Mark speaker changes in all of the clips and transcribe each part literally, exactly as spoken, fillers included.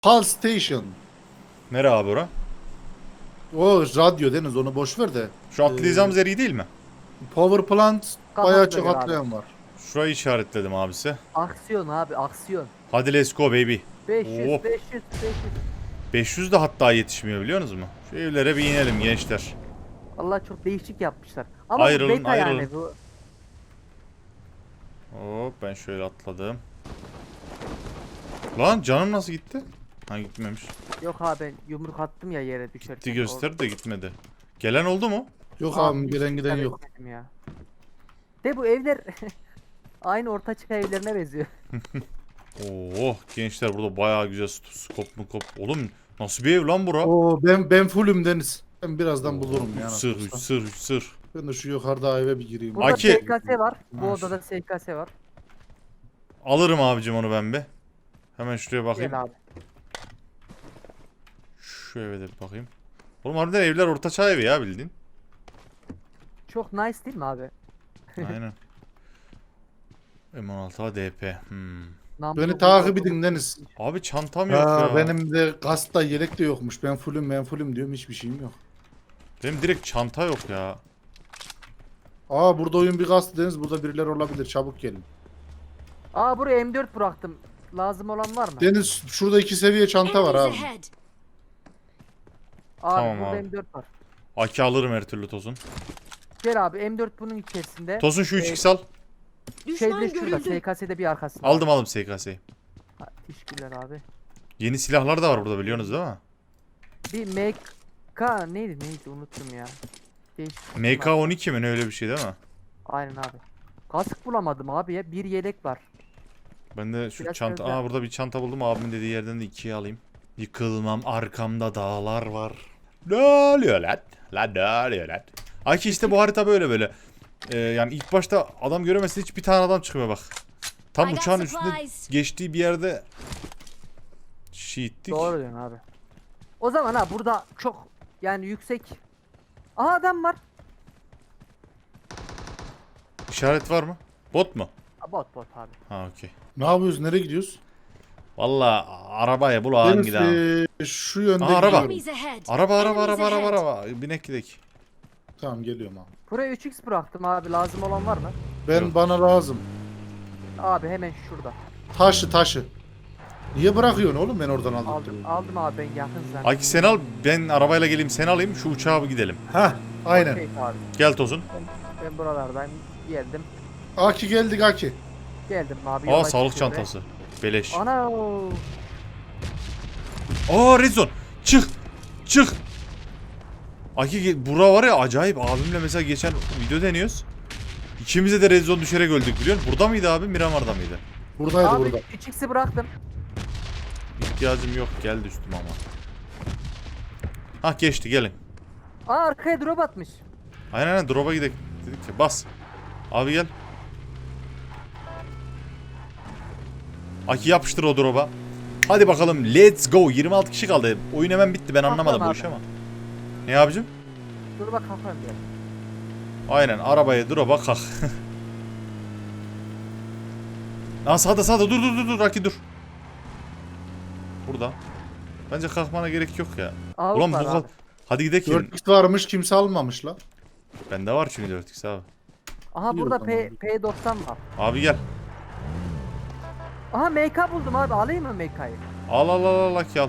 Speaker 1: Pulse Station.
Speaker 2: Nere abi ora?
Speaker 1: O radyo Deniz, onu boş ver de.
Speaker 2: Şu atlayacağımız yer iyi değil mi?
Speaker 1: Power Plant
Speaker 3: Kafamıza
Speaker 1: bayağı çok
Speaker 3: göre abi.
Speaker 1: atlayan var.
Speaker 2: Şurayı işaretledim abisi.
Speaker 3: Aksiyon abi aksiyon.
Speaker 2: Hadi let's go baby.
Speaker 3: beş yüz
Speaker 2: Hop.
Speaker 3: beş yüz beş yüz.
Speaker 2: beş yüz de hatta yetişmiyor biliyor musunuz mu? Şu evlere bir inelim gençler.
Speaker 3: Allah çok değişik yapmışlar. Ama
Speaker 2: Ayrılın,
Speaker 3: bu beta
Speaker 2: ayrılın.
Speaker 3: yani bu.
Speaker 2: Hop ben şöyle atladım. Lan canım nasıl gitti? Ha gitmemiş.
Speaker 3: Yok abi ben yumruk attım ya yere düşerken.
Speaker 2: Gitti gösterdi de gitmedi. Gelen oldu mu?
Speaker 1: Yok
Speaker 3: Orada-
Speaker 1: abi, gelen giden
Speaker 3: Tabii
Speaker 1: yok.
Speaker 3: etmedim ya. De bu evler aynı ortaçağ evlerine benziyor.
Speaker 2: Oo gençler burada bayağı güzel skop mu kop. Oğlum nasıl bir ev lan bura?
Speaker 1: Oo, ben ben fullüm Deniz. Ben birazdan bulurum
Speaker 2: Üç
Speaker 1: ya.
Speaker 2: sır, üç sır, üç sır.
Speaker 1: Ben de şu yukarıda eve bir gireyim.
Speaker 3: Burada
Speaker 2: Aki-
Speaker 3: S K S var. Bu
Speaker 1: Ha,
Speaker 3: odada S K S var.
Speaker 2: Alırım abicim onu ben bir. Hemen şuraya bakayım.
Speaker 3: Gel abi.
Speaker 2: Şu eve de bir bakayım. Oğlum harbiden evler ortaçağ evi ya bildiğin.
Speaker 3: Çok nice değil mi abi?
Speaker 2: Aynen. M on altı A D P. Hmm.
Speaker 3: Namlu
Speaker 1: Beni
Speaker 3: bu-
Speaker 1: takip edin Deniz.
Speaker 2: Abi çantam yok
Speaker 1: Ha,
Speaker 2: ya. Benim...
Speaker 1: benim de kasta yelek de yokmuş. Ben fullüm ben fullüm diyorum, hiçbir şeyim yok.
Speaker 2: direkt çanta yok ya.
Speaker 1: Aa, burada oyun bir kastı Deniz. Burada birileri olabilir. Çabuk gelin.
Speaker 3: Aa buraya M dört bıraktım. Lazım olan var mı?
Speaker 1: Deniz, şurada iki seviye çanta var
Speaker 4: Enemies
Speaker 1: abi.
Speaker 4: ahead.
Speaker 3: Abi
Speaker 2: Tamam
Speaker 3: burada
Speaker 2: abi.
Speaker 3: M dört var.
Speaker 2: Aki alırım her türlü Tosun.
Speaker 3: Gel abi M dört bunun içerisinde.
Speaker 2: Tosun şu üç
Speaker 3: Ee,
Speaker 2: x al.
Speaker 4: Düşman
Speaker 3: Şeyde şurada
Speaker 4: görüldü.
Speaker 3: S K S'de bir arkasında.
Speaker 2: Aldım aldım S K S'yi.
Speaker 3: Ha, teşekkürler abi.
Speaker 2: Yeni silahlar da var burada biliyorsunuz değil mi?
Speaker 3: Bir M K neydi neydi unuttum ya. Değişik bir
Speaker 2: M K
Speaker 3: şey var.
Speaker 2: on iki mi ne öyle bir şey değil mi?
Speaker 3: Aynen abi. Kask bulamadım abi ya. Bir yelek var.
Speaker 2: Ben de şu
Speaker 3: Biraz
Speaker 2: çanta...
Speaker 3: özel.
Speaker 2: Aa burada bir çanta buldum. Abimin dediği yerden de ikiye alayım. Yıkılmam arkamda dağlar var. Ne oluyor lan? Lan ne oluyor lan? Aki işte bu harita böyle böyle. Ee, yani ilk başta adam göremezsin, hiç bir tane adam çıkmıyor bak. Tam
Speaker 4: I got
Speaker 2: uçağın üstünde
Speaker 4: supplies.
Speaker 2: geçtiği bir yerde şiittik.
Speaker 3: Doğru diyorsun abi. O zaman ha burada çok yani yüksek. Aha adam var.
Speaker 2: İşaret var mı? Bot mu?
Speaker 3: Ha, bot bot abi.
Speaker 2: Ha okey.
Speaker 1: Ne yapıyoruz? Nereye gidiyoruz?
Speaker 2: Valla arabaya bulağın
Speaker 1: Deniz,
Speaker 2: gidelim.
Speaker 1: ee, şu yönde
Speaker 2: Aa, araba.
Speaker 1: gidiyorum.
Speaker 4: Enemies ahead.
Speaker 2: Araba araba
Speaker 4: Enemies
Speaker 2: araba araba
Speaker 4: ahead.
Speaker 2: araba. Binek gidelim.
Speaker 1: Tamam, geliyorum abi.
Speaker 3: Buraya üç x bıraktım abi. Lazım olan var mı?
Speaker 1: Ben
Speaker 2: Yok.
Speaker 1: bana lazım.
Speaker 3: Abi hemen şurada.
Speaker 1: Taşı taşı. Niye bırakıyorsun oğlum, ben oradan aldım.
Speaker 3: Aldım aldım abi ben yakın zaten.
Speaker 2: Aki sen al, ben arabayla geleyim, sen alayım, şu uçağa bir gidelim.
Speaker 1: Heh, aynen.
Speaker 3: Okey abi.
Speaker 2: Gel Tosun.
Speaker 3: Ben buralardayım. Geldim.
Speaker 1: Aki geldik Aki.
Speaker 3: Geldim abi.
Speaker 2: Aa
Speaker 3: yola
Speaker 2: sağlık
Speaker 3: çıkıyorum.
Speaker 2: çantası. Beleş.
Speaker 3: Ana.
Speaker 2: Aa Rezon. Çık. Çık. Aki ge- bura var ya acayip, abimle mesela geçen video deniyoruz. İkimize de Rezon düşerek öldük biliyor musun? Burada mıydı abi, Miramar'da mıydı?
Speaker 1: Buradaydı
Speaker 3: Abi
Speaker 1: burada.
Speaker 3: üç x'i bıraktım.
Speaker 2: İhtiyacım yok, geldi üstüme ama. Hah geçti, gelin.
Speaker 3: Aa arkaya drop atmış.
Speaker 2: Aynen aynen drop'a gidelim dedik ki bas. Abi gel. Aki yapıştır o drop'a. Hadi bakalım let's go. yirmi altı kişi kaldı. Oyun hemen bitti, ben anlamadım bu
Speaker 3: abi.
Speaker 2: işi ama. Ne abicim?
Speaker 3: Dur bak kafam ya.
Speaker 2: Aynen arabaya drop'a kalk. Lan sağda sağda dur dur dur dur Aki dur. Burada. Bence kalkmana gerek yok ya.
Speaker 3: Avuk
Speaker 2: Ulan bu
Speaker 3: var
Speaker 2: kal.
Speaker 3: abi.
Speaker 2: Hadi gidelim.
Speaker 1: dört x varmış, kimse almamış la.
Speaker 2: Bende var çünkü dört x abi.
Speaker 3: Aha
Speaker 1: İyi
Speaker 3: burada
Speaker 1: o
Speaker 3: P,
Speaker 1: zaman.
Speaker 3: P doksan var.
Speaker 2: Abi gel.
Speaker 3: Aha M K buldum abi. Alayım mı M K'yı?
Speaker 2: Al al al al Aki al.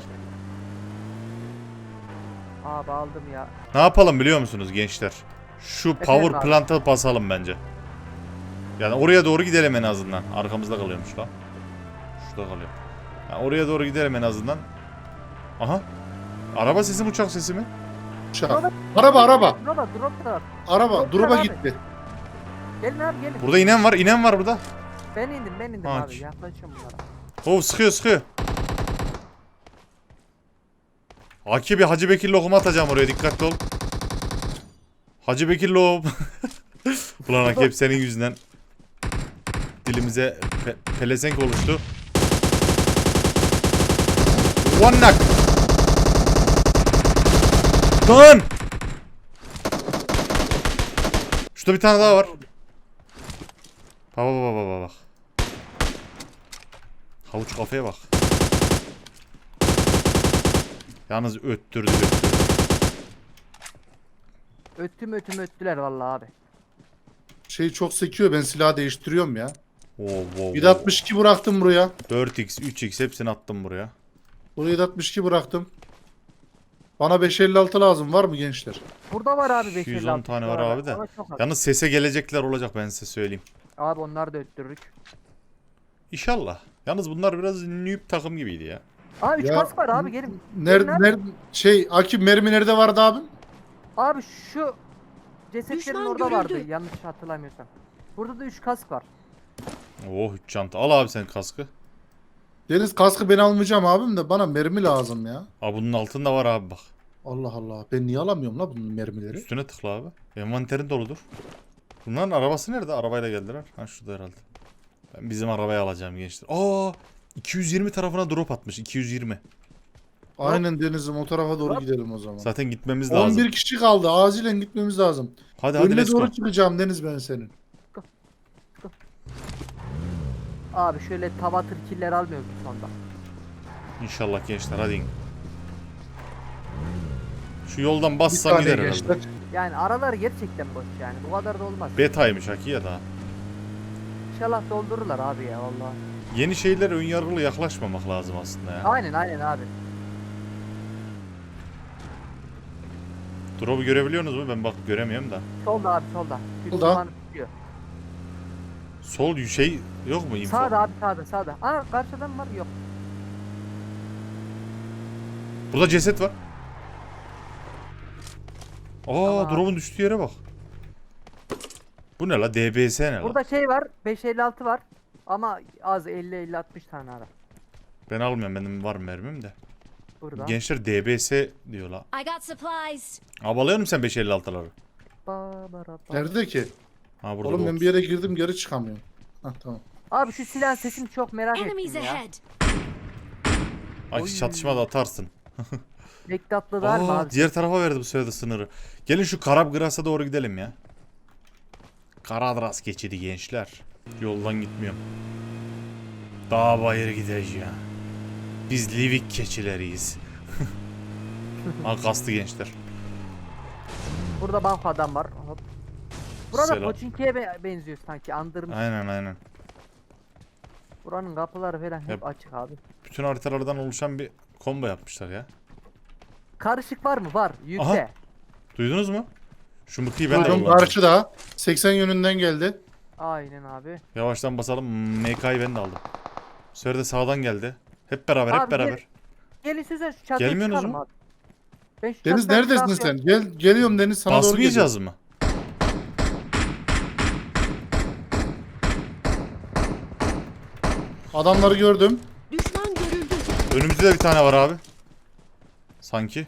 Speaker 3: Abi aldım ya.
Speaker 2: Ne yapalım biliyor musunuz gençler? Şu power
Speaker 3: abi.
Speaker 2: plant'a basalım bence. Yani oraya doğru gidelim en azından. Arkamızda kalıyormuş lan. Şurada kalıyor. Yani oraya doğru gidelim en azından. Aha. Araba sesi mi, uçak sesi mi?
Speaker 1: Uçak. Araba araba.
Speaker 3: Drop'a drop da var.
Speaker 1: Araba
Speaker 3: Yok,
Speaker 1: drop'a
Speaker 3: abi.
Speaker 1: gitti.
Speaker 3: Gelin abi gelin.
Speaker 2: Burada inen var, inen var burada.
Speaker 3: Ben indim ben indim
Speaker 2: Ha,
Speaker 3: abi.
Speaker 2: ç-
Speaker 3: Yaklaşıyorum bunlara.
Speaker 2: Oh sıkıyor sıkıyor. Aki bir Hacı Bekir lokum atacağım oraya, dikkatli ol. Hacı Bekir lokum. Ulan Aki hep senin yüzünden dilimize pe pelesenk oluştu. One knock. Lan! Şurada bir tane daha var. Bak bak bak bak bak. Havuç kafaya bak. Yalnız öttürdü öttürdü.
Speaker 3: Öttüm ötüm öttüler vallahi abi.
Speaker 1: Şey çok sekiyor, ben silahı değiştiriyorum ya.
Speaker 2: Wow, wow,
Speaker 1: yedi altmış iki bıraktım buraya.
Speaker 2: dört x, üç x hepsini attım buraya.
Speaker 1: Buraya yedi altmış iki bıraktım. Bana beş elli altı lazım, var mı gençler?
Speaker 3: Burada var abi beş
Speaker 2: yüz on tane var abi de.
Speaker 3: Çok az.
Speaker 2: Yalnız sese gelecekler olacak, ben size söyleyeyim.
Speaker 3: Abi onları da öttürürük.
Speaker 2: İnşallah. Yalnız bunlar biraz noob takım gibiydi ya.
Speaker 3: Aa üç
Speaker 1: Ya,
Speaker 3: kask var abi gelin.
Speaker 1: Nerede,
Speaker 3: Gelin abi.
Speaker 1: nerede, şey Akif mermi nerede vardı abim?
Speaker 3: Abi şu cesetlerin
Speaker 4: Düşman
Speaker 3: orada
Speaker 4: görüldü.
Speaker 3: vardı yanlış hatırlamıyorsam. Burada da üç kask var.
Speaker 2: Oh, üç çanta. Al abi sen kaskı.
Speaker 1: Deniz kaskı ben almayacağım abim de bana mermi lazım ya.
Speaker 2: Aa, bunun altında var abi bak.
Speaker 1: Allah Allah, ben niye alamıyorum la bunun mermileri?
Speaker 2: Üstüne tıkla abi. Envanterin doludur. Bunların arabası nerede? Arabayla geldiler. Ha şurada herhalde. Ben bizim arabayı alacağım gençler. Aa, iki yüz yirmi tarafına drop atmış. iki yüz yirmi.
Speaker 1: Aynen Deniz'im, o tarafa doğru
Speaker 3: Hop.
Speaker 1: gidelim o zaman.
Speaker 2: Zaten gitmemiz lazım.
Speaker 1: on bir kişi kaldı, acilen gitmemiz lazım.
Speaker 2: Hadi hadi
Speaker 1: Önüne
Speaker 2: let's go.
Speaker 1: doğru çıkacağım Deniz ben senin.
Speaker 3: Abi şöyle tavatır killer almıyoruz bu sonda.
Speaker 2: İnşallah gençler hadi. Şu yoldan
Speaker 1: Bir
Speaker 2: bassan
Speaker 1: tane
Speaker 2: gider
Speaker 1: gençler.
Speaker 2: herhalde.
Speaker 3: Yani aralar gerçekten boş yani. Bu kadar da olmaz.
Speaker 2: Betaymış haki ya da.
Speaker 3: İnşallah doldururlar abi ya vallahi.
Speaker 2: Yeni şeyler ön yargılı yaklaşmamak lazım aslında ya.
Speaker 3: Aynen aynen abi.
Speaker 2: Drop'u görebiliyorsunuz mu? Ben bak göremiyorum da.
Speaker 3: Solda abi solda. Bir
Speaker 1: Solda.
Speaker 3: duman tutuyor.
Speaker 2: Sol şey yok mu info?
Speaker 3: Sağda abi sağda sağda. Aa karşıdan var yok.
Speaker 2: Burada ceset var. Aa,
Speaker 3: Tamam.
Speaker 2: drop'un düştüğü yere bak. Bu ne la? D B S ne la?
Speaker 3: Burada şey var beş elli altı var. Ama az elli elli altmış tane ara.
Speaker 2: Ben almıyorum, benim var mermim de.
Speaker 3: Burada.
Speaker 2: Gençler D B S diyor la.
Speaker 4: I got supplies.
Speaker 2: Abalıyor musun sen beş elli altıları?
Speaker 3: Ba, bara, ba.
Speaker 1: Nerede ki?
Speaker 2: Ha burada
Speaker 1: Oğlum
Speaker 2: da
Speaker 1: ben bir yere girdim, geri çıkamıyorum. Hah tamam.
Speaker 3: Abi şu silah sesini çok merak
Speaker 4: Enemies
Speaker 3: ettim ya.
Speaker 4: ahead.
Speaker 2: Ay
Speaker 3: Oy.
Speaker 2: çatışmada atarsın.
Speaker 3: Bektatlı var mı
Speaker 2: Aa,
Speaker 3: abi?
Speaker 2: diğer tarafa verdi bu sefer de sınırı. Gelin şu Karabgras'a doğru gidelim ya. Karadras geçidi gençler. Yoldan gitmiyorum. Dağ bayır gideceğiz ya. Biz Livik keçileriyiz. Ha kastı gençler.
Speaker 3: Burada banko adam var. Hop. Burada
Speaker 2: Selam.
Speaker 3: Pochinki'ye be- benziyor sanki andırmış.
Speaker 2: Aynen aynen.
Speaker 3: Buranın kapıları falan hep
Speaker 2: Yap.
Speaker 3: açık abi.
Speaker 2: Bütün haritalardan oluşan bir combo yapmışlar ya.
Speaker 3: Karışık var mı? Var. Yükle.
Speaker 2: Aha. Duydunuz mu? Şu mıkıyı ben de
Speaker 1: Duydum,
Speaker 2: kullanacağım.
Speaker 1: karşıda. seksen yönünden geldi.
Speaker 3: Aynen abi.
Speaker 2: Yavaştan basalım. M K'yı ben de aldım. Bu sefer de sağdan geldi. Hep beraber hep
Speaker 3: Abi,
Speaker 2: beraber.
Speaker 3: Gelin size şu çatıya
Speaker 2: Gelmiyorsunuz
Speaker 3: çıkalım
Speaker 2: mu?
Speaker 3: abi. Ben şu
Speaker 1: Deniz
Speaker 3: çatıdan
Speaker 1: neredesin
Speaker 3: kalkıyorum.
Speaker 1: sen? Gel, geliyorum Deniz, sana doğru geliyorum.
Speaker 2: Basmayacağız mı?
Speaker 1: Adamları gördüm.
Speaker 4: Düşman görüldü.
Speaker 2: Önümüzde de bir tane var abi. Sanki.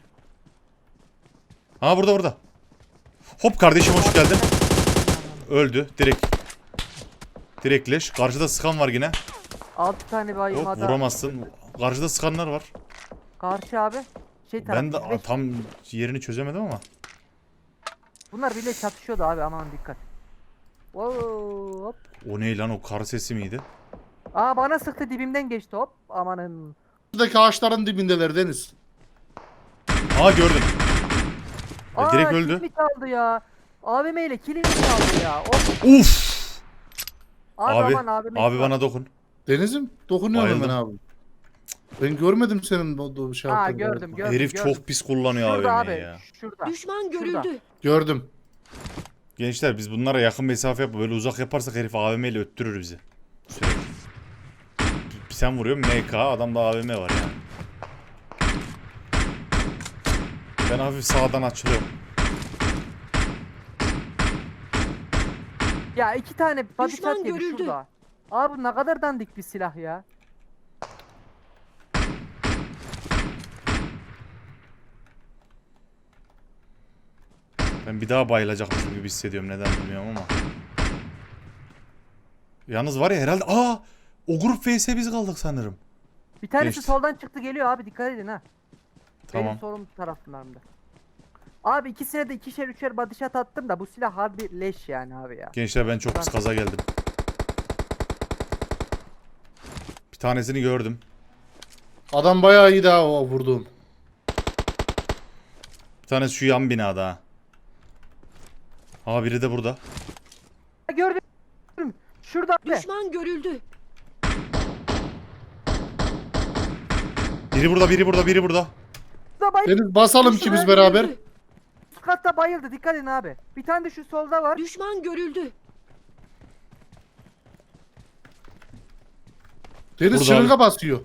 Speaker 2: Ha burada burada. Hop kardeşim hoş geldin. Öldü direkt. Direkt leş. Karşıda sıkan var yine.
Speaker 3: altı tane
Speaker 2: Yok
Speaker 3: bayılmada.
Speaker 2: vuramazsın. Karşıda sıkanlar var.
Speaker 3: Karşı abi. Şey tarafı.
Speaker 2: Ben de
Speaker 3: beş-
Speaker 2: tam yerini çözemedim ama.
Speaker 3: Bunlar bile çatışıyordu abi aman dikkat. Wow, hop.
Speaker 2: O ne lan, o kar sesi miydi?
Speaker 3: Aa bana sıktı dibimden geçti hop. Amanın.
Speaker 1: Buradaki ağaçların dibindeler Deniz.
Speaker 2: Aa gördüm. E,
Speaker 3: Aa
Speaker 2: direkt öldü.
Speaker 3: kilimi çaldı ya. A V M ile kilimi çaldı ya. Hop.
Speaker 2: Uf.
Speaker 3: Abi,
Speaker 2: Abi,
Speaker 3: aman A V M.
Speaker 2: abi bana dokun.
Speaker 1: Deniz'im dokunuyorum
Speaker 2: Bayıldım.
Speaker 1: hemen abi. Ben görmedim senin bu bu şey
Speaker 3: Aa
Speaker 1: yaptığını.
Speaker 3: gördüm gördüm.
Speaker 2: Herif
Speaker 3: gördüm.
Speaker 2: çok pis kullanıyor
Speaker 3: Şurada
Speaker 2: A V
Speaker 3: abi.
Speaker 2: M'yi ya.
Speaker 3: Şurada.
Speaker 4: Düşman
Speaker 3: Şurada.
Speaker 4: görüldü.
Speaker 1: Gördüm.
Speaker 2: Gençler biz bunlara yakın mesafe yapıp böyle uzak yaparsak herif A V M ile öttürür bizi. Sürekli. Sen vuruyorsun M K, adamda A V M var yani. Ben hafif sağdan açılıyorum.
Speaker 3: Ya iki tane body
Speaker 4: Düşman
Speaker 3: shot yedi
Speaker 4: görüldü.
Speaker 3: şurada. Abi ne kadar dandik bir silah ya.
Speaker 2: Ben bir daha bayılacakmışım gibi hissediyorum, neden bilmiyorum ama. Yalnız var ya herhalde, aa o grup V S biz kaldık sanırım.
Speaker 3: Bir tanesi
Speaker 2: Geçti.
Speaker 3: soldan çıktı geliyor abi dikkat edin ha.
Speaker 2: Tamam.
Speaker 3: Benim solum taraflarımda. Abi ikisine de ikişer üçer body shot attım da bu silah harbi leş yani abi ya.
Speaker 2: Gençler ben çok pis kaza geldim. Bir tanesini gördüm.
Speaker 1: Adam bayağı iyi daha o vurduğum.
Speaker 2: tane şu yan binada ha. Aa biri de burada.
Speaker 3: Ha, gördüm. Şurada abi.
Speaker 4: Düşman görüldü.
Speaker 2: Biri burada, biri burada, biri burada.
Speaker 3: Şurada bayıldı.
Speaker 1: Deniz basalım
Speaker 4: Düşman
Speaker 1: ikimiz beraber.
Speaker 4: görüldü.
Speaker 3: Üst katta bayıldı. Dikkat edin abi. Bir tane de şu solda var.
Speaker 4: Düşman görüldü.
Speaker 1: Deniz
Speaker 2: Burada
Speaker 1: şırınga basıyor.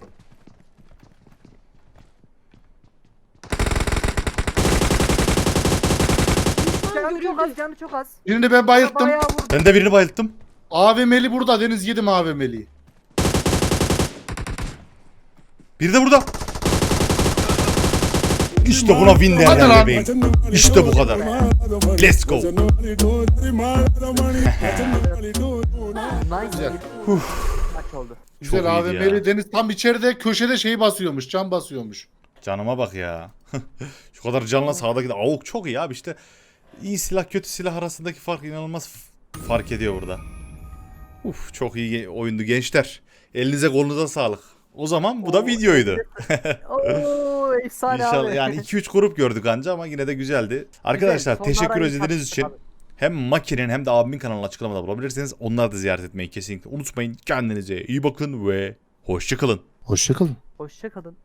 Speaker 4: Düşman
Speaker 3: Canı çok az,
Speaker 4: görüldü.
Speaker 3: canı çok az.
Speaker 1: Birini ben bayılttım.
Speaker 3: Bayağı vurdu.
Speaker 2: Ben de birini bayılttım.
Speaker 1: A V M'li burada Deniz, yedim A V M'liyi.
Speaker 2: Biri de burada. İşte buna win
Speaker 1: Hadi
Speaker 2: derler
Speaker 1: lan.
Speaker 2: bebeğim. İşte bu kadar. Let's go.
Speaker 3: Nice.
Speaker 1: Güzel.
Speaker 3: Maç oldu.
Speaker 1: Güzel
Speaker 2: Çok
Speaker 1: A
Speaker 2: iyiydi
Speaker 1: V
Speaker 2: ya.
Speaker 1: M'li Deniz tam içeride köşede şeyi basıyormuş. Can basıyormuş.
Speaker 2: Canıma bak ya. Şu kadar canla sağdaki de avuk çok iyi abi işte. İyi silah kötü silah arasındaki fark inanılmaz f- fark ediyor burada. Uf çok iyi ge- oyundu gençler. Elinize kolunuza sağlık. O zaman bu da
Speaker 3: Oo,
Speaker 2: videoydu.
Speaker 3: Oo efsane
Speaker 2: İnşallah
Speaker 3: abi.
Speaker 2: yani iki üç grup gördük anca ama yine de güzeldi. Arkadaşlar
Speaker 3: Güzel,
Speaker 2: teşekkür
Speaker 3: sonlara iyi
Speaker 2: izlediğiniz için
Speaker 3: tatlı abi.
Speaker 2: hem Maki'nin hem de abimin kanalını açıklamada bulabilirsiniz. Onları da ziyaret etmeyi kesinlikle unutmayın. Kendinize iyi bakın ve hoşçakalın.
Speaker 1: Hoşçakalın.
Speaker 3: Hoşça kalın.